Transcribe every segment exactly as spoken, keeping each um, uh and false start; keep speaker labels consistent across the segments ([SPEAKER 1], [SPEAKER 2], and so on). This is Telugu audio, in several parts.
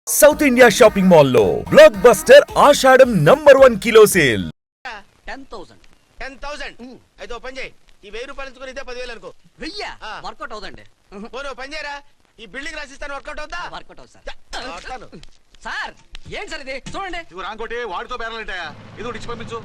[SPEAKER 1] సౌత్ ఇండియా షాపింగ్ మాల్ లో blockbuster Ashadham number one kilo sale
[SPEAKER 2] ten thousand
[SPEAKER 3] ten thousand అయితే ఓ పని చేయి, ఈ వెయ్యి రూపాయలు ఇచ్చుకుని ఇదే పదివేలు అనుకో.
[SPEAKER 2] వెయ్యా వర్కౌట్ అవుదండి.
[SPEAKER 3] పోను పని చేయరా, ఈ బిల్డింగ్ రాసిస్తాను, వర్కౌట్ అవుతా.
[SPEAKER 2] వర్కౌట్ అవుతుంది సార్. వస్తాను సార్. ఏంటి సార్ ఇది చూడండి.
[SPEAKER 4] ఇవి రాంకోటి వాడితో బేరాలంటాయా? ఇది ఒకటి ఇచ్చి పంపించు.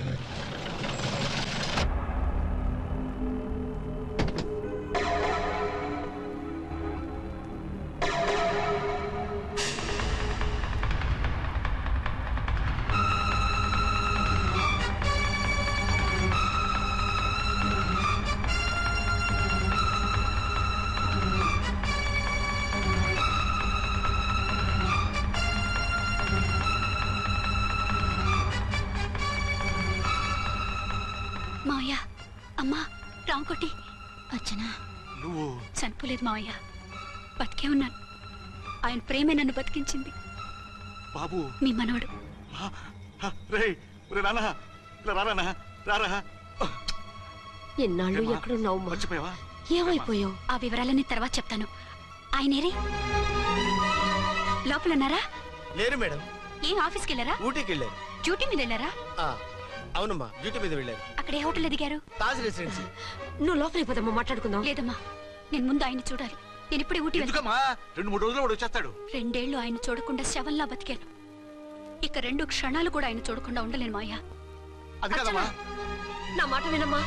[SPEAKER 5] మావయ్య, అమ్మా, రాంకోటి. అచ్చనా
[SPEAKER 4] నువ్వు
[SPEAKER 5] చనిపోలేదు మావయ్య, బతికే ఉన్నాను. ఆయన ప్రేమే నన్ను బతికించింది.
[SPEAKER 4] బాబు
[SPEAKER 5] మీ మనవడు.
[SPEAKER 4] రేయ్ రే నాన్న, ఇలా రా నాన్న, రారా.
[SPEAKER 6] ఎన్నాళ్ళు ఎక్కడున్నావు?
[SPEAKER 4] మర్చిపోయావా?
[SPEAKER 6] ఏమైపోయావు?
[SPEAKER 5] ఆ వివరాలన్నీ తర్వాత చెప్తాను. ఆయనేరి లోపల ఉన్నారా?
[SPEAKER 3] లేరు మేడం.
[SPEAKER 5] ఏం ఆఫీస్కి వెళ్ళారా?
[SPEAKER 3] ఊటీకి వెళ్ళారు.
[SPEAKER 5] డ్యూటీ మీద వెళ్ళారా?
[SPEAKER 3] అవునమ్మా, డ్యూటీ మీద వెళ్ళారు.
[SPEAKER 5] అక్కడ ఏ హోటల్ ఎదిగారు?
[SPEAKER 3] తాజ్ రెసిడెన్సీ.
[SPEAKER 6] నువ్వు లోపలికి పోదమ్మా, మాట్లాడుకుందాం.
[SPEAKER 5] లేదమ్మా, నేను ముందు ఆయన చూడాలి. నేను ఇప్పుడే ఊటీ వెళ్తాను.
[SPEAKER 4] ఎందుకమ్మా? రెండు మూడు రోజులు వాడు వచ్చేస్తాడు.
[SPEAKER 5] రెండేళ్లు ఆయన చూడకుండా శవంలా బతికాను. ఇక రెండు క్షణాలు కూడా ఆయన చూడకుండా ఉండలేను మాయా.
[SPEAKER 4] అది కాదమ్మా.
[SPEAKER 6] నా మాట వినమ్మా.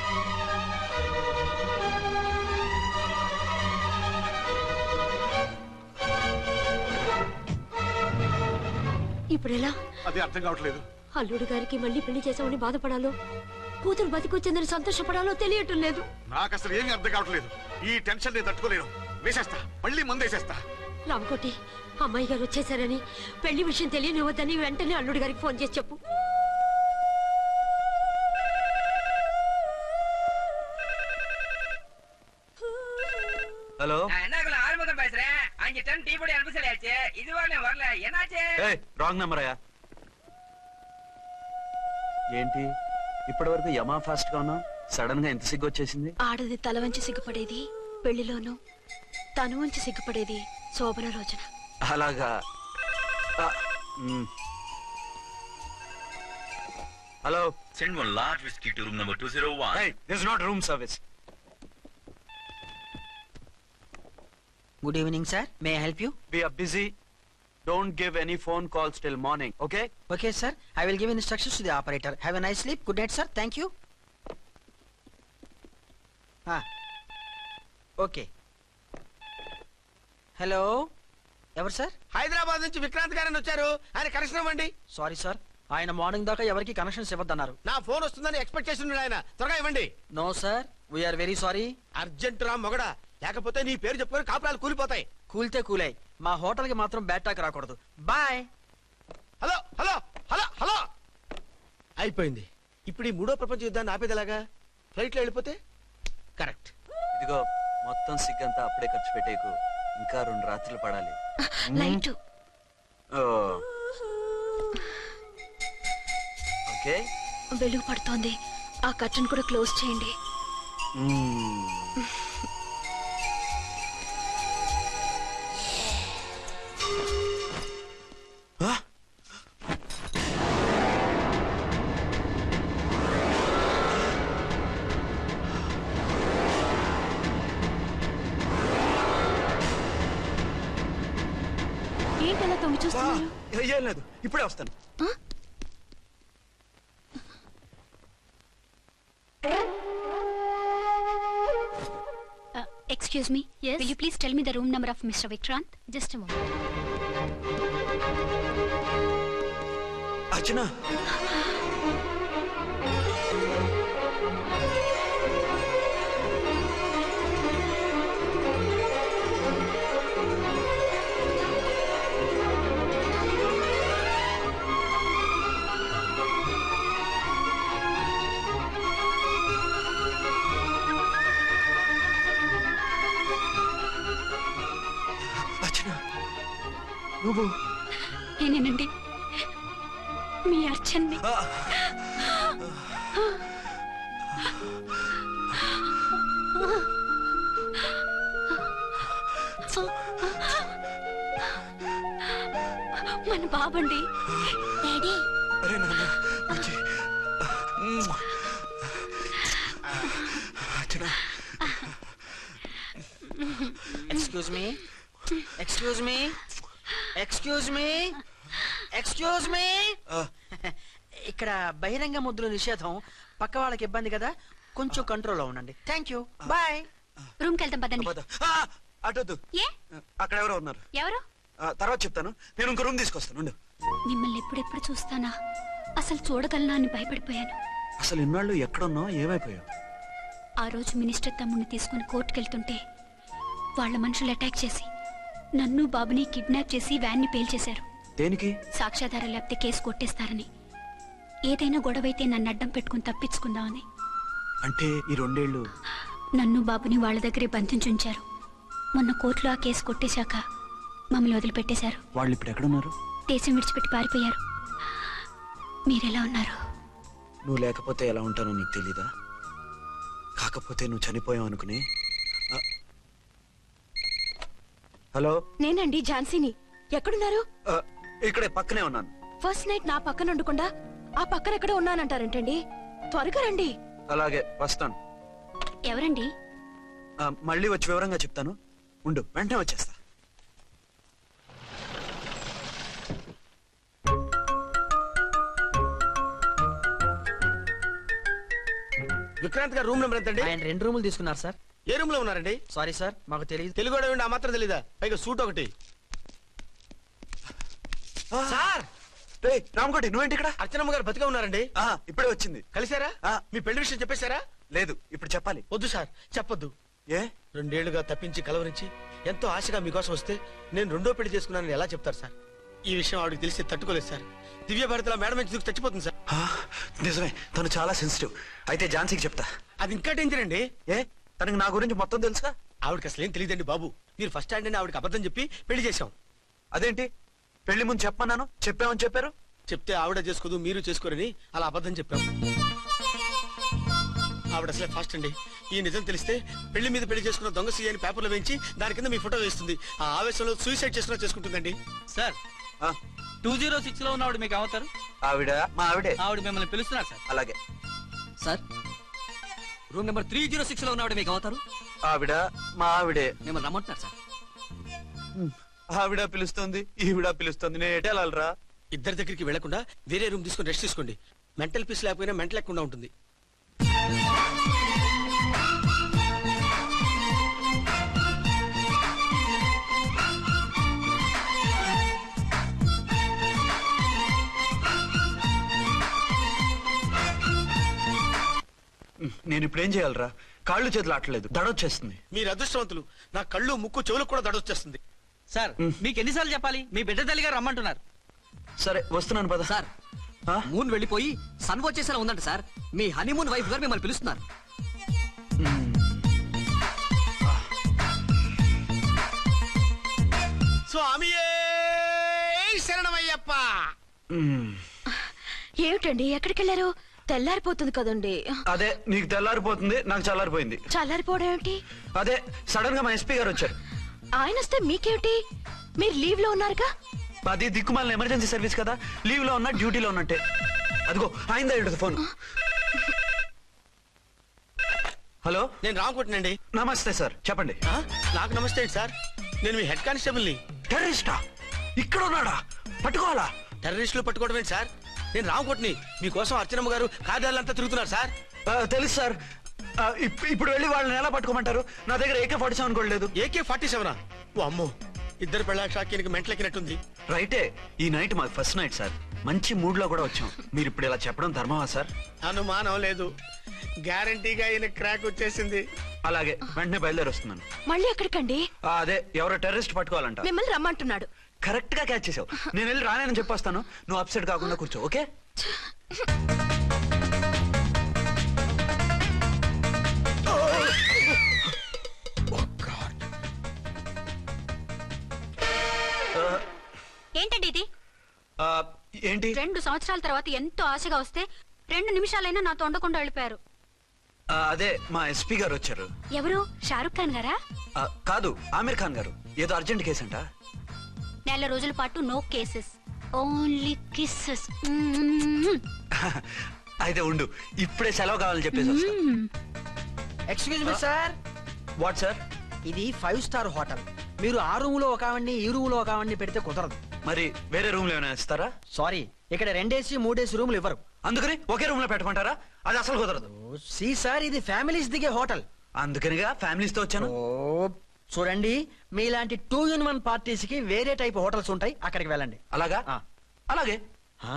[SPEAKER 6] ఇప్పుడు ఎలా?
[SPEAKER 4] అది అర్థం కావట్లేదు.
[SPEAKER 6] అల్లుడు గారికి మళ్ళీ పెళ్లి చేసామని బాధపడాలో, కూతురు బతికొచ్చిందని సంతోషపడాలో తెలియటం లేదు.
[SPEAKER 4] నాకు అసలు ఏమీ అర్థం కావట్లేదు. ఈ టెన్షన్ నేను తట్టుకోలేను. వేసేస్తా, మళ్ళీ మందేసేస్తా.
[SPEAKER 6] రామకోటి, అమ్మాయి గారు వచ్చేసారని, పెళ్లి విషయం తెలియనివ్వద్దని వెంటనే అల్లుడు గారికి ఫోన్ చేసి చెప్పు.
[SPEAKER 7] ஹலோ
[SPEAKER 8] என்னக்குள்ள ஆறுமுகம் பேசுறேன். அஞ்சு டன் டீ பொடி அனுப்ப சொல்லியாச்சு. இது வரல வரல என்னாச்சு?
[SPEAKER 7] ఏయ్ రాంగ్ నెంబర్ అయ్యా. ఏంటి ఇప్పటి వరకు యమా ఫాస్ట్ గా ఉన్నావు, సడన్ గా ఎంత సిగ్గు వచ్చేసింది?
[SPEAKER 5] ఆడది తల వంచి సిగ్గుపడేది పెళ్లిలోనూ, తను వంచి సిగ్గుపడేది శోభన రోజున.
[SPEAKER 7] అలాగా. ఆ, మ్. Hello.
[SPEAKER 9] Send one large whiskey to room number two oh one.
[SPEAKER 7] Hey, this is not room service.
[SPEAKER 2] Good evening sir. May I help you?
[SPEAKER 7] We are busy. Don't give any phone calls till morning, okay?
[SPEAKER 2] Okay sir. I will give instructions to the operator. Have a nice sleep. Good night sir. Thank you. Okay. Hello, ఎవరు సార్?
[SPEAKER 3] హైదరాబాద్ నుంచి విక్రాంత్ గారని వచ్చారు. ఆయన కనెక్షన్ ఇవ్వండి.
[SPEAKER 2] సారీ సార్, ఆయన మార్నింగ్ దాకా ఎవరికి కనెక్షన్స్ ఇవ్వద్దన్నారు.
[SPEAKER 3] నా ఫోన్ వస్తుందని ఎక్స్పెక్ట్ చేసి ఉన్నాడు ఆయన. త్వరగా ఇవ్వండి.
[SPEAKER 2] No sir, we're very sorry.
[SPEAKER 3] Urgent రా మొగడా, లేకపోతే నీ పేరు చెప్పుకొని కాపురాలు కూలిపోతాయి.
[SPEAKER 2] కూల్తే కూలాయి, మా హోటల్ కి మాత్రం బ్యాడ్ టాక్ రాకూడదు. Bye.
[SPEAKER 3] Hello hello hello hello అయిపోయింది. ఇప్పుడు ఈ మూడో ప్రపంచ యుద్ధాన్ని ఆపేదిలాగా? ఫ్లైట్ లో వెళ్ళిపోతే కరెక్ట్.
[SPEAKER 7] ఇదిగో మొత్తం సిగ్గంతా అప్పుడే ఖర్చు పెట్టేకు, ఇంకా రెండు రాత్రులు పడాలి.
[SPEAKER 5] Light
[SPEAKER 7] okay.
[SPEAKER 5] వెలుగు పడుతోంది, ఆ కర్టన్ కూడా క్లోజ్ చేయండి. ఏంటలా తొంగి చూస్తున్నారు?
[SPEAKER 7] ఏం లేదు, ఇప్పుడే వస్తాను.
[SPEAKER 5] Excuse me. Yes. Will you please tell me the room number of Mister Vikrant? Just a moment.
[SPEAKER 7] Archana. నువ్వు
[SPEAKER 5] నేనేనండి, మీ అర్చన్ని. మన బాబండి. డాడీ
[SPEAKER 3] అరే నాన్న వచ్చి. Archana
[SPEAKER 2] excuse me excuse me excuse me excuse me ఇక్కడ బహిరంగ ముద్దుల నిషేధం, పక్క వాళ్ళకి ఇబ్బంది కదా, కొంచెం కంట్రోల్లో ఉండండి. Thank you, bye.
[SPEAKER 5] రూమ్ కి వెళ్తాం పదండి.
[SPEAKER 3] అటొద్దు,
[SPEAKER 5] ఏ
[SPEAKER 3] అక్కడ ఎవరో ఉన్నారు.
[SPEAKER 5] ఎవరు?
[SPEAKER 3] ఆ, తర్వాత చెప్తాను. నేను ఇంకో రూమ్ తీసుకొస్తాను ఉండు.
[SPEAKER 5] మిమ్మల్ని ఎప్పుడెప్పుడు చూస్తానా, అసలు చూడగలనా అని భయపడిపోయాను.
[SPEAKER 3] అసలు ఇన్నాళ్ళు ఎక్కడున్నావు, ఏమైపోయావు?
[SPEAKER 5] ఆ రోజు మినిస్టర్ తమ్ముడిని తీసుకుని కోర్టుకెళ్తుంటే వాళ్ళ మనుషులు అటాక్ చేసి నన్ను బాబుని కిడ్నాప్ చేసి వ్యాన్ని పేల్చేశారు.
[SPEAKER 3] దేనికి?
[SPEAKER 5] సాక్ష్యాధారం లేకపోతే కేసు కొట్టేస్తారని. ఏదైనా గొడవైతే నన్ను అడ్డం పెట్టుకుని తప్పించుకుందామని.
[SPEAKER 3] అంటే ఈ రెండేళ్లు
[SPEAKER 5] నన్ను బాబుని వాళ్ళ దగ్గరే బంధించుంచారు. మొన్న కోర్టులో ఆ కేసు కొట్టేశాక మమ్మల్ని వదిలిపెట్టేశారు.
[SPEAKER 3] వాళ్ళు ఇప్పుడు ఎక్కడున్నారు?
[SPEAKER 5] దేశం విడిచిపెట్టి పారిపోయారు. మీరెలా ఉన్నారు?
[SPEAKER 3] నువ్వు లేకపోతే ఎలా ఉంటానో నీకు తెలీదా? కాకపోతే నువ్వు చనిపోయావు అనుకుని. ఆ, హలో,
[SPEAKER 6] నేనండి ఝాన్సీని. ఎక్కడున్నారు?
[SPEAKER 3] ఆ, ఇక్కడే పక్కనే ఉన్నాను.
[SPEAKER 6] ఫస్ట్ నైట్ నా పక్కన ఉండకుండా ఆ పక్కన ఎక్కడ ఉన్నానంటారేంటండి? త్వరగా రండి.
[SPEAKER 3] అలాగే వస్తాను.
[SPEAKER 5] ఎవరండి?
[SPEAKER 3] ఆ, మళ్ళీ వచ్చి వివరంగా చెప్తాను. ఉండు, వెంటనే వచ్చేస్తా.
[SPEAKER 10] విక్రాంత్ గారు రూమ్ నెంబర్ ఎంతండి?
[SPEAKER 2] ఆయన రెండు రూములు తీసుకున్నారు సార్.
[SPEAKER 10] ఏ రూమ్ లో ఉన్నారండి?
[SPEAKER 2] సారీ సార్, మాకు తెలియదు.
[SPEAKER 10] తెలుగు వాడు ఆ మాత్రం తెలీదా? పైగా సూట్ ఒకటి.
[SPEAKER 2] సార్
[SPEAKER 3] రేయ్ రామకోటి, నువ్వేంటి ఇక్కడ?
[SPEAKER 10] అర్చనమ్మ గారు బతిగా ఉన్నారండి.
[SPEAKER 3] ఆ, ఇప్పుడే వచ్చింది.
[SPEAKER 10] కలిసారా?
[SPEAKER 3] ఆ.
[SPEAKER 10] మీ పెళ్లి విషయం చెప్పేశారా?
[SPEAKER 3] లేదు, ఇప్పుడు చెప్పాలి.
[SPEAKER 10] వద్దు సార్, చెప్పొద్దు.
[SPEAKER 3] ఏ?
[SPEAKER 10] రెండేళ్లుగా తప్పించి కలవరించి ఎంతో ఆశగా మీకోసం వస్తే నేను రెండో పెళ్లి చేసుకున్నానని ఎలా చెప్తారు సార్? ఈ విషయం ఆవిడకి తెలిసి తట్టుకోలేదు సార్. దివ్య భారతిలో మేడం నుంచి దూకి చచ్చిపోతుంది సార్.
[SPEAKER 3] ఆ, నిజమే, తను చాలా సెన్సిటివ్. అయితే ఝాన్సీకి చెప్తా.
[SPEAKER 10] అది ఇంకా డేంజర్ అండి.
[SPEAKER 3] ఏ, తనకి నా గురించి మొత్తం తెలుసుగా?
[SPEAKER 10] ఆవిడకి అసలు ఏం తెలియదండి బాబు. మీరు ఫస్ట్ హ్యాండ్ అని ఆవిడకి అబద్ధం చెప్పి పెళ్లి చేశాం.
[SPEAKER 3] అదేంటి, పెళ్లి ముందు చెప్పమన్నాను, చెప్పామని చెప్పారు.
[SPEAKER 10] చెప్తే ఆవిడ చేసుకోదు, మీరు చేసుకోరని అలా అబద్ధం చెప్పాం. ఆవిడ అసలే ఫాస్ట్ అండి. ఈ నిజం తెలిస్తే పెళ్లి మీద పెళ్లి చేసుకున్న దొంగ సీ అని పేపర్లో వేయించి దాని కింద మీ ఫోటో వేస్తుంది. ఆ ఆవేశంలో సూసైడ్ చేసుకున్నా చేసుకుంటుందండి.
[SPEAKER 8] సార్
[SPEAKER 3] ఆ,
[SPEAKER 8] టూ జీరో సిక్స్ లో ఉన్నవాడు మీకు అవుతారు.
[SPEAKER 3] ఆవిడ మా ఆవిడే.
[SPEAKER 8] ఆవిడ మిమ్మల్ని పిలుస్తున్నారు సార్.
[SPEAKER 3] అలాగే.
[SPEAKER 8] Sir room number three zero six లో ఉన్నవాడు మీకు అవుతారు.
[SPEAKER 3] ఆవిడ మా ఆవిడే.
[SPEAKER 8] మిమ్మల్ని రమ్మంటున్నారు సార్.
[SPEAKER 3] ఆవిడ పిలుస్తుంది, ఈవిడ పిలుస్తుంది, నేను ఎటే వెళ్ళాలరా?
[SPEAKER 10] ఇద్దరి దగ్గరికి వెళ్లకుండా వేరే రూమ్ తీసుకుని రెస్ట్ తీసుకోండి. మెంటల్ పీస్ లేకపోయినా మెంటల్ లేకుండా ఉంటుంది.
[SPEAKER 3] నేను ఇప్పుడు ఏం చేయాలరా? కాళ్ళు చేతులు ఆటలేదు, దడొచ్చేస్తుంది.
[SPEAKER 10] మీరు అదృష్టవంతులు. నా కళ్ళు ముక్కు చెవులకు కూడా దడొచ్చేస్తుంది.
[SPEAKER 8] సార్ మీకు ఎన్నిసార్లు చెప్పాలి? మీ బిడ్డ తల్లి గారు రమ్మంటున్నారు.
[SPEAKER 3] సరే వస్తున్నాను పద.
[SPEAKER 8] సార్
[SPEAKER 3] ఆ?
[SPEAKER 8] మూన్ వెళ్ళిపోయి సన్ వచ్చేసేలా ఉందంట సార్. మీ హనీమూన్ వైఫ్ గారు మిమ్మల్ని పిలుస్తున్నారు.
[SPEAKER 10] స్వామియే శరణమయ్యప్ప.
[SPEAKER 3] మ్మ్.
[SPEAKER 6] ఏమిటండి ఎక్కడికి వెళ్ళారు? తెల్లారిపోతుంది కదండి.
[SPEAKER 3] అదే, నీకు తెల్లారిపోతుంది, నాకు చల్లారిపోయింది.
[SPEAKER 6] చల్లారిపోవడం ఏమిటి?
[SPEAKER 3] అదే సడన్ గా మా ఎస్పీ గారు వచ్చారు.
[SPEAKER 6] ఆయన వస్తే మీకేమిటి? మీరు లీవ్ లో ఉన్నారుగా.
[SPEAKER 3] అది దిక్కుమాలిన ఎమర్జెన్సీ సర్వీస్ కదా, లీవ్ లో ఉన్నా డ్యూటీలో ఉన్నట్టే. అదిగో అయిందా ఇటు ఫోన్. హలో,
[SPEAKER 10] నేను రామకోటినండి.
[SPEAKER 3] నమస్తే సార్, చెప్పండి.
[SPEAKER 10] ఆ? నాకు నమస్తే అండి సార్. నేను మీ హెడ్ కానిస్టేబుల్ని.
[SPEAKER 3] టెర్రరిస్టా? ఇక్కడ ఉన్నాడా? పట్టుకోవాలా?
[SPEAKER 10] టెర్రరిస్టులు పట్టుకోవడం ఏంటి సార్? నేను రామకోటిని. మీకోసం అర్చనమ్మ గారు కార్యాలయంతా తిరుగుతున్నారు సార్.
[SPEAKER 3] ఆ, తెలుసు సార్. ఆ, ఇప్- ఇప్పుడు వెళ్ళి వాళ్ళని ఎలా పట్టుకోమంటారు? నా దగ్గర ఏకే ఫార్టీ సెవెన్ కూడా లేదు.
[SPEAKER 10] AK forty సెవెనా? ఓ అమ్మో, ఇద్దరు పెళ్ళ షాకీనికి మెంటలెక్కినట్టుంది.
[SPEAKER 3] రైటే, ఈ నైట్ మాకు ఫస్ట్ నైట్ సార్. మంచి మూడ్ లో కూడా వచ్చాం. మీరు ఇప్పుడు ఇలా చెప్పడం ధర్మమా సార్?
[SPEAKER 10] అనుమానం లేదు, గ్యారంటీగా ఈయన క్రాక్ వచ్చేసింది.
[SPEAKER 3] అలాగే, వెంటనే బయలుదేరి వస్తున్నాను.
[SPEAKER 6] మళ్ళీ ఎక్కడికండి?
[SPEAKER 3] ఆ, అదే ఎవరో టెర్రరిస్ట్ పట్టుకోవాలంట.
[SPEAKER 6] మిమ్మల్ని రమ్మంటున్నాడు.
[SPEAKER 3] కరెక్ట్ గా క్యాచ్ చేసావు. నేను వెళ్ళి రానని చెప్పొస్తాను, నువ్వు అప్సెట్ కాకుండా కూర్చో, ఓకే?
[SPEAKER 5] ఏంటండి ఇది?
[SPEAKER 3] ఆ, ఏంటి?
[SPEAKER 5] రెండు సంవత్సరాల తర్వాత ఎంతో ఆశగా వస్తే రెండు నిమిషాలైనా నాతో ఉండకుండా వెళ్ళిపోయారు.
[SPEAKER 3] ఆ, అదే మా ఎస్పీ గారు వచ్చారు.
[SPEAKER 5] ఎవరు? షారుఖ్ ఖాన్ గారా?
[SPEAKER 3] ఆ, కాదు, ఆమీర్ ఖాన్ గారు. ఏదో అర్జెంట్ కేసు అంట.
[SPEAKER 5] నెల రోజుల పాటు నో కేసెస్. Only kisses.
[SPEAKER 7] అయితే ఉండు, ఇప్పుడే సెలవు కావాలని చెప్పేసి వస్తా.
[SPEAKER 2] Excuse me sir,
[SPEAKER 7] what sir?
[SPEAKER 2] ఇది ఫైవ్ స్టార్ హోటల్. మీరు ఆ రూమ్ లో ఒక ఆవిడ్ని ఈ రూమ్ లో ఒక ఆవిడ్ని పెడితే కుదరదు.
[SPEAKER 7] మరి వేరే రూమ్ లో ఏమైనా ఇస్తారా?
[SPEAKER 2] సారీ, ఇక్కడ రెండేసి మూడేసి రూములు ఇవ్వరు.
[SPEAKER 7] అందుకని ఒకే రూమ్ లో పెట్టమంటారా? అది అసలు కుదరదు.
[SPEAKER 2] సి సార్, ఇది ఫ్యామిలీస్ దిగే హోటల్.
[SPEAKER 7] అందుకనిగా ఫ్యామిలీస్ తో వచ్చాను.
[SPEAKER 2] ఓ చూడండి, మీలాంటి టూ ఇన్ వన్ పార్టీస్ కి వేరే టైప్ హోటల్స్ ఉంటాయి, అక్కడికి వెళ్ళండి.
[SPEAKER 7] అలాగా?
[SPEAKER 2] ఆ.
[SPEAKER 7] అలాగే.
[SPEAKER 2] ఆ?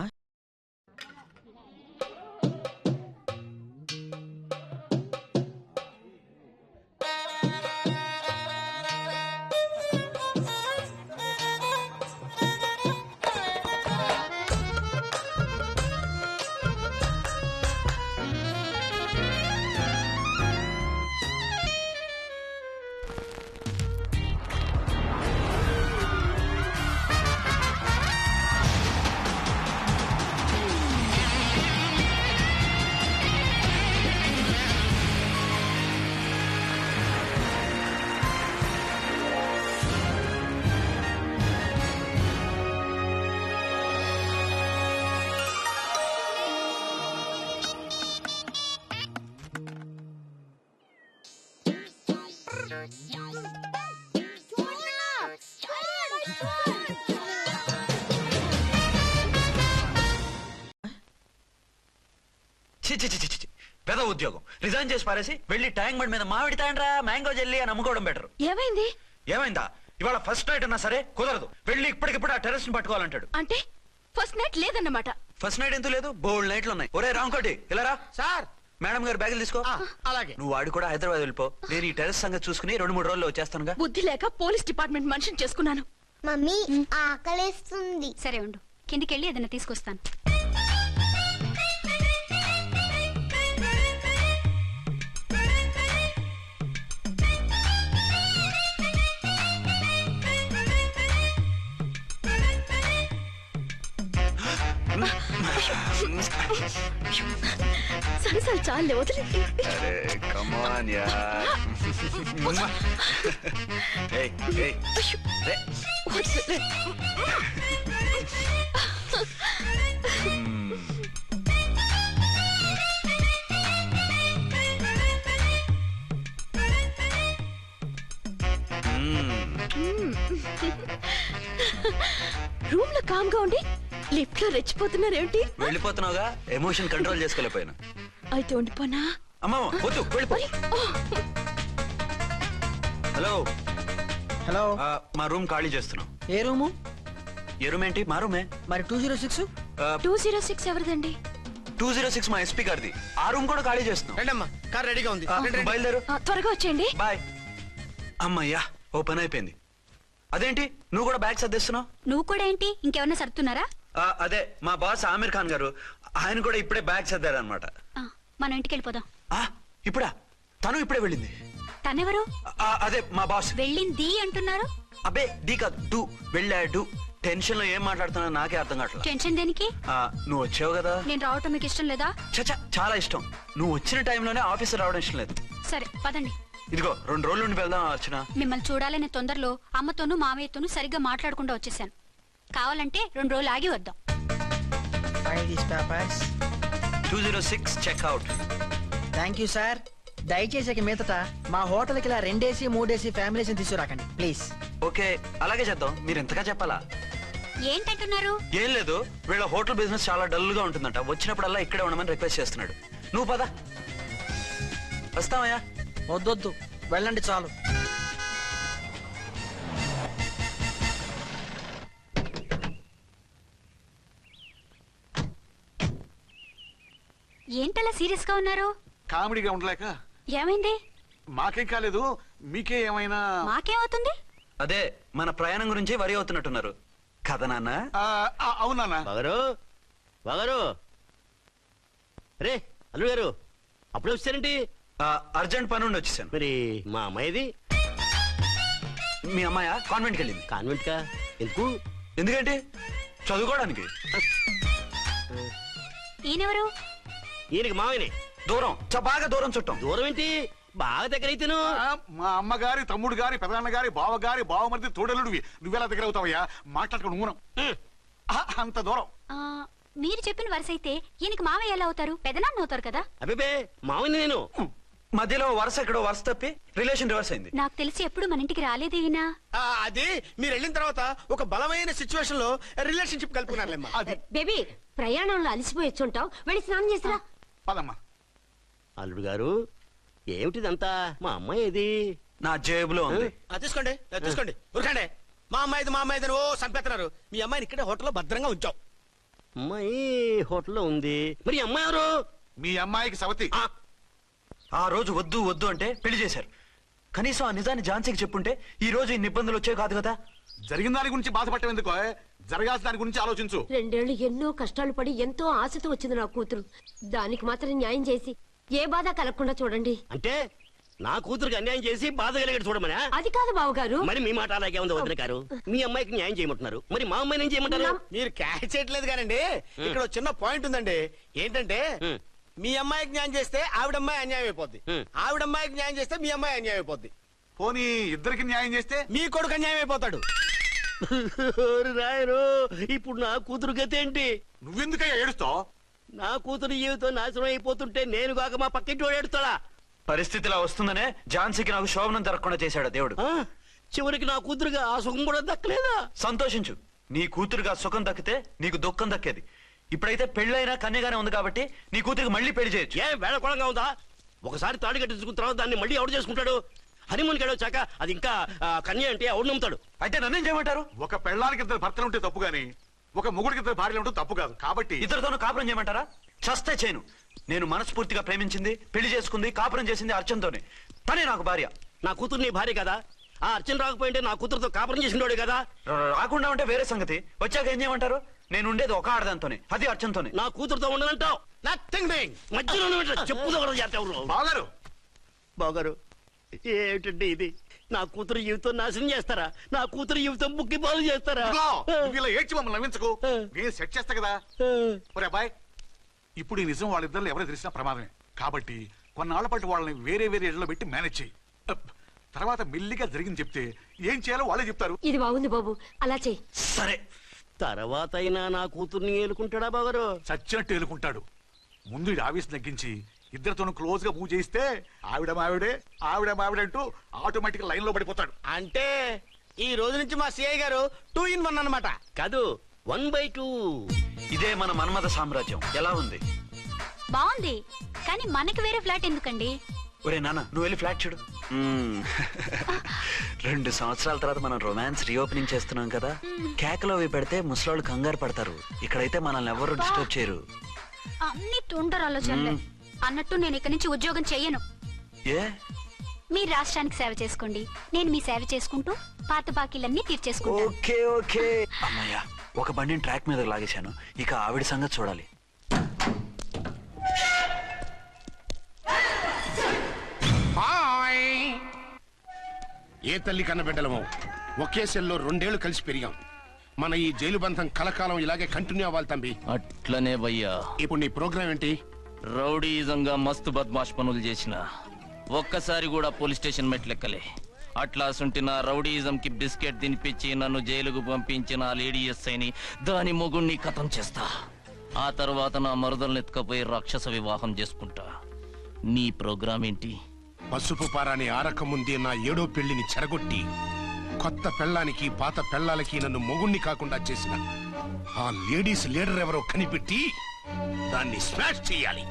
[SPEAKER 7] చి చి చి చి చి. పెద్ద ఉద్యోగం రిజైన్ చేసి పారేసి వెళ్ళి ట్యాంక్ బండ్ మీద మామిడి తాండ్రా మ్యాంగో జెల్లీ అని అమ్ముకోవడం బెటర్.
[SPEAKER 6] ఏమైంది?
[SPEAKER 7] ఏమైందా? ఇవాళ ఫస్ట్ నైట్ అన్నా సరే కుదరదు. వెళ్ళి ఇప్పటికిప్పుడు ఆ టెర్రస్ ని పట్టుకోవాలంటాడు.
[SPEAKER 6] అంటే ఫస్ట్ నైట్ లేదన్నమాట.
[SPEAKER 7] ఫస్ట్ నైట్ ఎందుకు లేదు? బోల్డ్ నైట్లు ఉన్నాయి. ఒరే రాంకోటి ఇలా రా.
[SPEAKER 2] సార్.
[SPEAKER 7] మేడం గారు బ్యాగులు తీసుకో.
[SPEAKER 2] అలాగే.
[SPEAKER 7] నువ్వు వాడు కూడా హైదరాబాద్ వెళ్ళిపో. నేను ఈ టెర్రస్ సంగతి చూసుకుని రెండు మూడు రోజుల్లో వచ్చేస్తానుగా.
[SPEAKER 6] బుద్ధి లేక పోలీస్ డిపార్ట్మెంట్ మనిషిని చేసుకున్నాను.
[SPEAKER 5] మమ్మీ ఆకలేస్తుంది. సరే ఉండు, కిందికెళ్ళి ఏదైనా తీసుకొస్తాను.
[SPEAKER 6] సరే సరే చాలే వదిలే.
[SPEAKER 7] అరే కమ్ ఆన్ యార్. ఏయ్ ఏయ్ రే.
[SPEAKER 6] వదిలే. రూమ్ లో కామ్ గా ఉండి లిఫ్ట్ లో రెచ్చిపోతున్నారేంటి?
[SPEAKER 7] వెళ్ళిపోతున్నావుగా, ఎమోషన్ కంట్రోల్ చేసుకోలేకపోయినా.
[SPEAKER 6] అయితే ఉండిపోనా?
[SPEAKER 7] అమ్మా వద్దు, వెళ్ళిపో. Hello
[SPEAKER 2] hello.
[SPEAKER 7] మా రూమ్ ఖాళీ చేస్తున్నాం.
[SPEAKER 2] ఏ రూము?
[SPEAKER 7] ఏ రూమ్ ఏంటి? మా రూమే.
[SPEAKER 2] మరి two zero six
[SPEAKER 6] two zero six ఎవరిదండి?
[SPEAKER 7] టూ జీరో సిక్స్ మా ఎస్పీ గారిది. ఆ రూమ్ కూడా ఖాళీ చేస్తున్నాం.
[SPEAKER 10] రండమ్మా, కార్ రెడీగా ఉంది.
[SPEAKER 7] ఆ,
[SPEAKER 10] రండి, రండి.
[SPEAKER 7] బయలుదేరు.
[SPEAKER 6] ఆ, త్వరగా వచ్చేయండి.
[SPEAKER 7] బాయ్. అమ్మయ్యా, ఓ పని అయిపోయింది. అదేంటి నువ్వు కూడా బ్యాగ్ సర్దిస్తున్నావు?
[SPEAKER 5] నువ్వు కూడా ఏంటి, ఇంకెవరన్నా సర్దుతున్నారా?
[SPEAKER 7] ఆ, అదే మా బాస్ ఆమీర్ ఖాన్ గారు, ఆయన కూడా ఇప్పుడే బ్యాగ్ సర్దారనమాట.
[SPEAKER 5] ఆ, మనం ఇంటికి వెళ్ళిపోదాం.
[SPEAKER 7] ఇప్పుడా? తను ఇప్పుడే వెళ్ళింది.
[SPEAKER 5] తనెవరు?
[SPEAKER 7] ఆ, అదే మా బాస్.
[SPEAKER 5] వెళ్ళింది అంటున్నారు.
[SPEAKER 7] అబ్బే డీ కాదు, డూ. వెళ్ళాడు. టెన్షన్ లో ఏం మాట్లాడుతున్నా నాకే అర్థం కావట్లేదు.
[SPEAKER 5] టెన్షన్ దేనికి?
[SPEAKER 7] ఆ, నువ్వు వచ్చావు కదా.
[SPEAKER 5] నేను రావటం మీకు ఇష్టం లేదా?
[SPEAKER 7] చచ్చా, చాలా ఇష్టం. నువ్వు వచ్చిన టైంలోనే ఆఫీసర్ రావడం ఇష్టం లేదు.
[SPEAKER 5] సరే పదండి.
[SPEAKER 7] ఇదిగో రెండు రోజుల నుండి వెళ్దాం అర్చన.
[SPEAKER 5] మిమ్మల్ని చూడాలనే తొందరలో అమ్మతోనూ మామయ్యతోనూ సరిగ్గా మాట్లాడకుండా వచ్చేసాను. కావాలంటే రెండు రోజులు ఆగి వద్దాం.
[SPEAKER 7] Two zero six checkout.
[SPEAKER 2] Thank you sir. దయచేసి ఇక మీదట మా హోటల్కి ఇలా రెండేసి మూడేసి ఫ్యామిలీస్ తీసుకురాకండి ప్లీజ్.
[SPEAKER 7] ఓకే, అలాగే చేద్దాం. మీరు ఎంతగా చెప్పాలా?
[SPEAKER 5] ఏంటంటున్నారు?
[SPEAKER 7] ఏం లేదు, వీళ్ళ హోటల్ బిజినెస్ చాలా డల్ గా ఉంటుందంట. వచ్చినప్పుడల్లా ఇక్కడే ఉండమని రిక్వెస్ట్ చేస్తున్నాడు. నువ్వు పద. వస్తావయ్యా?
[SPEAKER 2] వద్దొద్దు, వెళ్ళండి చాలు.
[SPEAKER 5] ఏంటలా సీరియస్ గా ఉన్నారు?
[SPEAKER 4] కామెడీగా ఉండలేక.
[SPEAKER 5] ఏమైంది?
[SPEAKER 4] మాకేం కాలేదు, మీకే ఏమైనా?
[SPEAKER 5] మాకేమవుతుంది?
[SPEAKER 7] అదే మన ప్రయాణం గురించి వరి అవుతున్నట్టున్నారు కదా నాన్న?
[SPEAKER 4] అవునా
[SPEAKER 10] బాగారు బాగారు. రే అల్లు గారు, అప్పుడే వచ్చారేంటి?
[SPEAKER 7] అర్జెంట్ పని ఉండి వచ్చేసాను.
[SPEAKER 10] మరి మా అమ్మాయిది?
[SPEAKER 7] మీ అమ్మాయ కాన్వెంట్కి వెళ్ళింది.
[SPEAKER 10] కాన్వెంట్ కా? ఎందుకు?
[SPEAKER 7] ఎందుకంటే చదువుకోవడానికి.
[SPEAKER 5] ఈయనెవరు?
[SPEAKER 10] ఈయనకి మామయ్యనే.
[SPEAKER 7] దూరం, బాగా దూరం చుట్టాం.
[SPEAKER 10] దూరం ఏంటి, బాగా దగ్గర అయితేను.
[SPEAKER 4] మా అమ్మగారి తమ్ముడు గారి పెదనాన్న గారి బావ గారి బావమరిది తోడలుడివి. నువ్వెలా దగ్గర అవుతావయ్యా? మాట్లాడుకుని ఊనం. అంత దూరం.
[SPEAKER 5] ఆ, మీరు చెప్పిన వరుస అయితే ఈయనకి మావయ్య ఎలా అవుతారు? పెదనాన్న అవుతారు కదా.
[SPEAKER 10] అబిబే మామని నేను
[SPEAKER 7] మధ్యలో వరుస ఎక్కడో వరుస తప్పి రిలేషన్ రివర్స్ అయింది.
[SPEAKER 5] నాకు తెలిసి ఎప్పుడు మన ఇంటికి రాలేదు ఈయన.
[SPEAKER 10] ఆ, అది మీరు వెళ్ళిన తర్వాత ఒక బలమైన సిచ్యువేషన్ లో రిలేషన్షిప్ కలుపుకున్నారులేమ్మా.
[SPEAKER 4] అది
[SPEAKER 6] బేబీ ప్రయాణంలో అలసిపోయి వచ్చుంటావు, వెళ్ళి స్నానం చేసిరా.
[SPEAKER 4] పదమ్మా.
[SPEAKER 10] అల్లుడు గారు ఏమిటిదంతా? మా అమ్మాయి ఏది?
[SPEAKER 7] నా జేబులో ఉంది.
[SPEAKER 10] ఆ, తీసుకోండి ఆ, తీసుకోండి ఉరకండి. మా అమ్మాయిది మా అమ్మాయిది అని ఓ చంపేస్తున్నారు. మీ అమ్మాయిని ఇక్కడే హోటల్లో భద్రంగా ఉంచాం. అమ్మాయి హోటల్లో ఉంది. మరి ఈ అమ్మాయి ఎవరు?
[SPEAKER 4] మీ అమ్మాయికి సవతి.
[SPEAKER 10] ఆ,
[SPEAKER 7] ఆ రోజు వద్దు వద్దు అంటే పెళ్లి చేశారు. కనీసం ఆ నిజాన్ని ఝాన్సీకి చెప్పుంటే ఈ రోజు ఇన్ని ఇబ్బందులు వచ్చే కాదు కదా.
[SPEAKER 4] జరిగిన దాని గురించి బాధపడటం ఎందుకో, జరగాల్సిన దాని గురించి ఆలోచించు.
[SPEAKER 6] రెండేళ్లు ఎన్నో కష్టాలు పడి ఎంతో ఆశతో వచ్చింది నా కూతురు. దానికి మాత్రం న్యాయం చేసి ఏ బాధ కలగకుండా చూడండి.
[SPEAKER 10] అంటే నా కూతురికి అన్యాయం చేసి బాధ కలిగేది చూడమనా?
[SPEAKER 6] అది కాదు బావగారు.
[SPEAKER 10] మరి మీ మాట అలాగే ఉంది వదిన గారు. మీ అమ్మాయికి న్యాయం చేయమంటున్నారు, మరి మా అమ్మాయిని ఏం చేయమంటారు? మీరు క్యాచ్ చేయట్లేదు కానండి. ఇక్కడ ఒక చిన్న పాయింట్ ఉందండి. ఏంటంటే మీ అమ్మాయికి న్యాయం చేస్తే ఆవిడ అమ్మాయి అన్యాయం అయిపోద్ది, ఆవిడ అమ్మాయికి న్యాయం చేస్తే మీ అమ్మాయి అన్యాయం అయిపోద్ది.
[SPEAKER 4] పోనీ ఇద్దరికి న్యాయం చేస్తే
[SPEAKER 10] మీ కొడుకు అన్యాయం అయిపోతాడు. రాయరు ఇప్పుడు నా కూతురు గతి ఏంటి?
[SPEAKER 4] నువ్వెందుకయ్యా ఏడుస్తావు?
[SPEAKER 10] నా కూతురు జీవితం నాశనం అయిపోతుంటే నేను కాక మా పక్కింటి వాడు ఏడుస్తాడా?
[SPEAKER 7] పరిస్థితిలా వస్తుందనే ఝాన్సీకి నాకు శోభనం జరగకుండా చేశాడు దేవుడు.
[SPEAKER 10] ఆ, చివరికి నా కూతురుగా ఆ సుఖం కూడా దక్కలేదా?
[SPEAKER 7] సంతోషించు. నీ కూతురుగా సుఖం దక్కితే నీకు దుఃఖం దక్కేది. ఇప్పుడైతే పెళ్ళైనా కన్యగానే ఉంది కాబట్టి నీ కూతురికి మళ్ళీ పెళ్లి చేయొచ్చు.
[SPEAKER 10] ఏ వేళకోళంగా ఉందా? ఒకసారి తాడు కట్టించుకున్న తర్వాత దాన్ని మళ్ళీ ఎవడు చేసుకుంటాడు? హనీమూన్ కి వచ్చాక అది ఇంకా ఆ, కన్య అంటే ఎవడు నమ్ముతాడు?
[SPEAKER 7] అయితే నన్నేం చేయమంటారు?
[SPEAKER 4] ఒక పెళ్ళానికి ఇద్దరు భర్తలు ఉంటే తప్పు గాని ఒక మొగుడికి ఇద్దరు భార్యలు ఉంటే తప్పు కాదు. కాబట్టి
[SPEAKER 7] ఇద్దరితోనూ కాపురం చేయమంటారా? చస్తే చేయను. నేను మనస్ఫూర్తిగా ప్రేమించింది, పెళ్లి చేసుకుంది, కాపురం చేసింది అర్చనతోనే. తనే నాకు భార్య.
[SPEAKER 10] నా కూతురు నీ భార్య కదా? ఆ అర్చన రాకపోయింటే నా కూతురుతో కాపురం చేసినోడే కదా?
[SPEAKER 7] రా- రాకుండా ఉంటే వేరే సంగతి. వచ్చాక ఏం చేయమంటారు? నేను ఉండేది ఒక ఆడదాంతోనే, అది అర్చనతోనే.
[SPEAKER 10] నా కూతురుతో ఉండనంటావు? Nothing doing. మధ్యలో చెప్పుదో కూడా చేస్తావు.
[SPEAKER 4] బాగారు
[SPEAKER 10] బాగారు ఏమిటండి ఇది? నా కూతురు జీవితం నాశనం చేస్తారా? నా కూతురు జీవితం బుక్కి పాలు చేస్తారా?
[SPEAKER 4] ఇదిగో, నువ్వు ఇలా ఏడ్చి మమ్మల్ని నవ్వించకు. నేను సెట్ చేస్తా కదా. ఒరే అబ్బాయ్, ఇప్పుడు ఈ నిజం వాళ్ళిద్దరు ఎవరో తెలిసినా ప్రమాదమే. కాబట్టి కొన్నాళ్ల పాటు వాళ్ళని వేరే వేరే ఇళ్లలో పెట్టి మేనేజ్ చేయి. అప్. తర్వాత మెల్లిగా జరిగింది చెప్తే ఏం చేయాలో వాళ్ళే చెప్తారు.
[SPEAKER 6] ఇది బాగుంది బాబు, అలా చెయ్యి.
[SPEAKER 7] సరే.
[SPEAKER 10] తర్వాత అయినా నా కూతుర్ని ఏలుకుంటాడా బాగారు?
[SPEAKER 4] చచ్చినట్టు ఎలుకుంటాడు. ముందు ఈ ఆవేశం తగ్గించి ఇద్దరితోనూ క్లోజ్ గా మూవ్ చేయిస్తే ఆవిడ మావిడే ఆవిడ మావిడంటూ ఆటోమేటిక్ లైన్ లో పడిపోతాడు.
[SPEAKER 10] అంటే ఈ రోజు నుంచి మా సిఐ గారు టూ ఇన్ వన్ అన్నమాట కాదు, వన్ బై టూ.
[SPEAKER 7] ఇదే మన మన్మథ సామ్రాజ్యం. ఎలా ఉంది?
[SPEAKER 5] బాగుంది, కానీ మనకి వేరే ఫ్లాట్ ఎందుకండి?
[SPEAKER 7] ఒరే నాన్న, నువ్వు వెళ్ళి ఫ్లాట్ చూడు. మ్మ్. రెండు సంవత్సరాల తర్వాత మనం రొమాన్స్ రీఓపెనింగ్ చేస్తున్నాం కదా. కేకలో అవి పెడితే ముసలాళ్ళు కంగారు పడతారు. ఇక్కడైతే మనల్ని ఎవరు డిస్టర్బ్ చేయరు.
[SPEAKER 5] అన్ని తుంటరు ఆలోచనలే. అన్నట్టు నేను ఇక్కడి నుంచి ఉద్యోగం చెయ్యను.
[SPEAKER 7] ఏ?
[SPEAKER 5] మీరు రాష్ట్రానికి సేవ చేసుకోండి, నేను మీ సేవ చేసుకుంటూ పాత బాకీలన్నీ తీర్చేసుకుంటాను.
[SPEAKER 7] Okay okay. అమ్మయ్యా, ఒక బండిని ట్రాక్ మీద లాగేశాను. ఇక ఆవిడ సంగతి చూడాలి.
[SPEAKER 11] ఏ తల్లి కన్న బిడ్డలమో ఒకే సెల్లో రెండేళ్లు కలిసి పెరిగాం. మన ఈ జైలు బంధం కలకాలం ఇలాగే కంటిన్యూ అవ్వాలి తంబి.
[SPEAKER 12] అట్లనే భయ్యా.
[SPEAKER 11] ఇప్పుడు నీ ప్రోగ్రామ్ ఏంటి?
[SPEAKER 12] రౌడీజంగా మస్తు బద్మాష్ పనులు చేసిన ఒక్కసారి కూడా పోలీస్ స్టేషన్ మెట్లెక్కలే. అట్లా సుంటి నా రౌడీజం కి బిస్కెట్ తినిపించి నన్ను జైలుకు పంపించిన ఆ లేడీ ఎస్ఐని దాని మొగుణ్ణి కథం చేస్తా. ఆ తర్వాత నా మరుదలను ఎత్తుకపోయి రాక్షస వివాహం చేసుకుంటా. నీ ప్రోగ్రామ్ ఏంటి?
[SPEAKER 11] పసుపు పారాని ఆరక ముందే నా ఏడో పెళ్లిని చెరగొట్టి కొత్త పెళ్ళానికి పాత పెళ్ళాలకి నన్ను మొగుణ్ణి కాకుండా చేసిన ఆ లేడీస్ లీడర్ ఎవరో కనిపెట్టి దాన్ని స్మాష్ చేయాలి.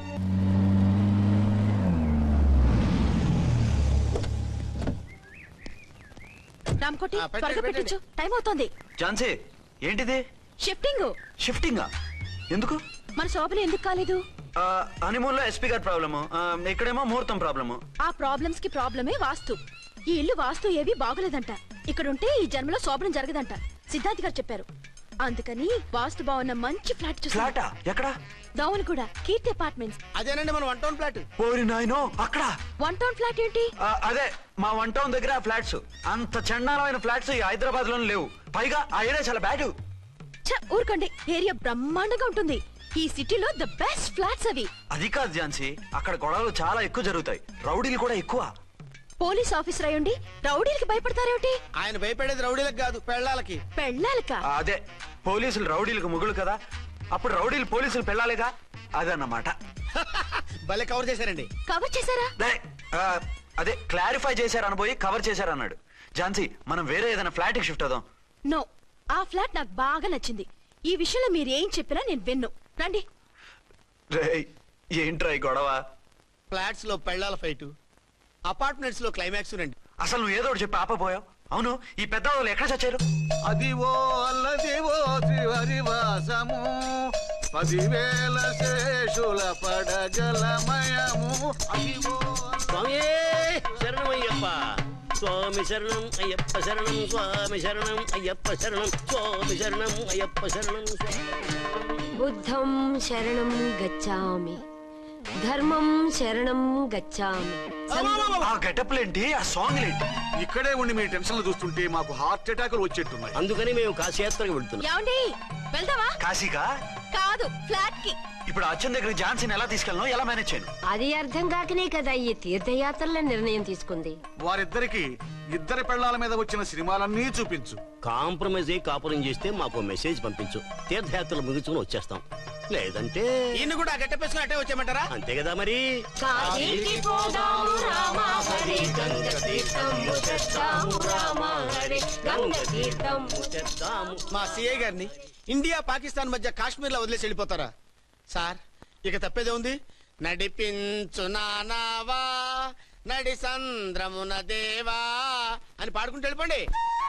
[SPEAKER 6] రామ్కోటి త్వరగా పెట్టించు, టైం అవుతోంది.
[SPEAKER 7] ఝాన్సీ, ఏంటిది?
[SPEAKER 6] షిఫ్టింగ్.
[SPEAKER 7] షిఫ్టింగా? ఎందుకు?
[SPEAKER 6] మన శోభన ఎందుకు కాలేదు?
[SPEAKER 7] హనీమూన్ లో ఎస్పీ గారి ప్రాబ్లము, ఇక్కడేమో ముహూర్తం ప్రాబ్లము.
[SPEAKER 6] ఆ ప్రాబ్లమ్స్ కి ప్రాబ్లమే వాస్తు. ఈ ఇల్లు వాస్తు ఏవి బాగోలేదంట. ఇక్కడుంటే ఈ జన్మలో శోభనం జరగదంట సిద్ధాంతి గారు చెప్పారు. అందుకని వాస్తు బాగున్న మంచి ఫ్లాట్ చూసా.
[SPEAKER 7] ఫ్లాటా? ఎక్కడ?
[SPEAKER 6] దౌన్ కూడా కీర్తి అపార్ట్మెంట్స్.
[SPEAKER 10] అదేనండి మన వన్ టౌన్ ఫ్లాట్.
[SPEAKER 7] ఓరి నాయనో, అక్కడ
[SPEAKER 6] వన్ టౌన్ ఫ్లాట్ ఏంటి?
[SPEAKER 7] ఆ, అదే మా వన్ టౌన్ దగ్గర ఫ్లాట్స్. అంత చండాలమైన ఫ్లాట్స్ ఈ హైదరాబాద్ లో లేవు. పైగా ఆ ఏరియా చాలా బ్యాడ్.
[SPEAKER 6] ఛ, ఊరుకోండి. ఏరియా బ్రహ్మాండంగా ఉంటుంది. ఈ సిటీలో ద బెస్ట్ ఫ్లాట్స్ అవి.
[SPEAKER 7] అది కాదు ఝాన్సీ, అక్కడ గొడవలు చాలా ఎక్కువ జరుగుతాయి, రౌడీలు కూడా ఎక్కువ.
[SPEAKER 6] పోలీస్ ఆఫీసర్ అయ్యుండి రౌడీలకి భయపడతారేమిటి?
[SPEAKER 3] ఆయన భయపడేది రౌడీలకు కాదు, పెళ్ళాలకి.
[SPEAKER 6] పెళ్ళాలకా?
[SPEAKER 7] అదే, పోలీసులు రౌడీలకు ముగులు కదా, అప్పుడు రౌడీలు పోలీసులు పెళ్ళాలిగా, అదన్నమాట.
[SPEAKER 3] భలే కవర్ చేశారండి.
[SPEAKER 6] కవర్ చేశారా?
[SPEAKER 7] అదే క్లారిఫై చేశారని పోయి కవర్ చేశారన్నాడు. ఝాన్సీ, మనం వేరే ఏదైనా ఫ్లాట్ కి షిఫ్ట్ అవుదాం.
[SPEAKER 6] నో, ఆ ఫ్లాట్ నాకు బాగా నచ్చింది. ఈ విషయంలో మీరు ఏం చెప్పినా నేను విన్ను. రండి.
[SPEAKER 7] ఏంట్రా ఈ గొడవ?
[SPEAKER 3] ఫ్లాట్స్ లో పెళ్ళాల ఫైట్, అపార్ట్మెంట్స్ లో క్లైమాక్స్ రండి.
[SPEAKER 7] అసలు నువ్వు ఏదో ఒకటి చెప్పి ఆపపోయావు. అవును, ఈ పెద్ద వాళ్ళు ఎక్కడ చచ్చారు?
[SPEAKER 4] అది ఓ అల్లదివో త్రివరివాసము, పదివేల శేషుల పడగలమయము. అదివో
[SPEAKER 10] స్వామి శరణమయ్యప్ప, స్వామి శరణం అయ్యప్ప శరణం, స్వామి శరణం అయ్యప్ప శరణం, స్వామి శరణం అయ్యప్ప శరణం.
[SPEAKER 13] బుద్ధం శరణం గచ్చామి, ధర్మం శరణం గచ్చామి.
[SPEAKER 7] ఆ గెటప్లేంటి, ఆ సాంగ్ ఏంటి?
[SPEAKER 4] ఇక్కడే ఉండి మీ టెన్షన్లు చూస్తుంటే మాకు హార్ట్ అటాకులు వచ్చేట్టున్నాయి.
[SPEAKER 10] అందుకని మేము కాశీయాత్రకు వెళ్తున్నాం.
[SPEAKER 6] ఏమండి, వెళ్దామా?
[SPEAKER 7] కాశీకా?
[SPEAKER 6] కాదు, ఫ్లాట్ కి.
[SPEAKER 7] ఇప్పుడు అచ్చన్ దగ్గర ఝాన్సీని ఎలా తీసుకెళ్ళను, ఎలా మేనేజ్ చేయను?
[SPEAKER 13] అది అర్థం కాకనే కదా ఈ తీర్థయాత్రల నిర్ణయం తీసుకుంది.
[SPEAKER 4] వారిద్దరికి ఇద్దరి పెళ్లాల మీద వచ్చిన సినిమాలన్నీ చూపించు.
[SPEAKER 10] కాంప్రమైజ్ అయ్యి కాపురం చేస్తే మాకు మెసేజ్ పంపించు, తీర్థయాత్రలు ముగించుకుని వచ్చేస్తాం. లేదంటే
[SPEAKER 3] ఇన్ని కూడా గట్టెప్పేసుకుని అట్టే వచ్చేయమంటారా?
[SPEAKER 10] అంతే కదా మరి.
[SPEAKER 13] కాశీకి పోదాము రామా హరి, గంగ తీర్థము తెస్తాము రామా హరి, గంగ తీర్థము తెస్తాము.
[SPEAKER 3] మా సిఐ గారిని ఇండియా పాకిస్తాన్ మధ్య కాశ్మీర్ లో వదిలేసి వెళ్ళిపోతారా సార్? ఇక తప్పేదే ఉంది. నడిపించు నానావా నడి సంద్రమున దేవా అని పాడుకుంటూ వెళ్ళిపోండి.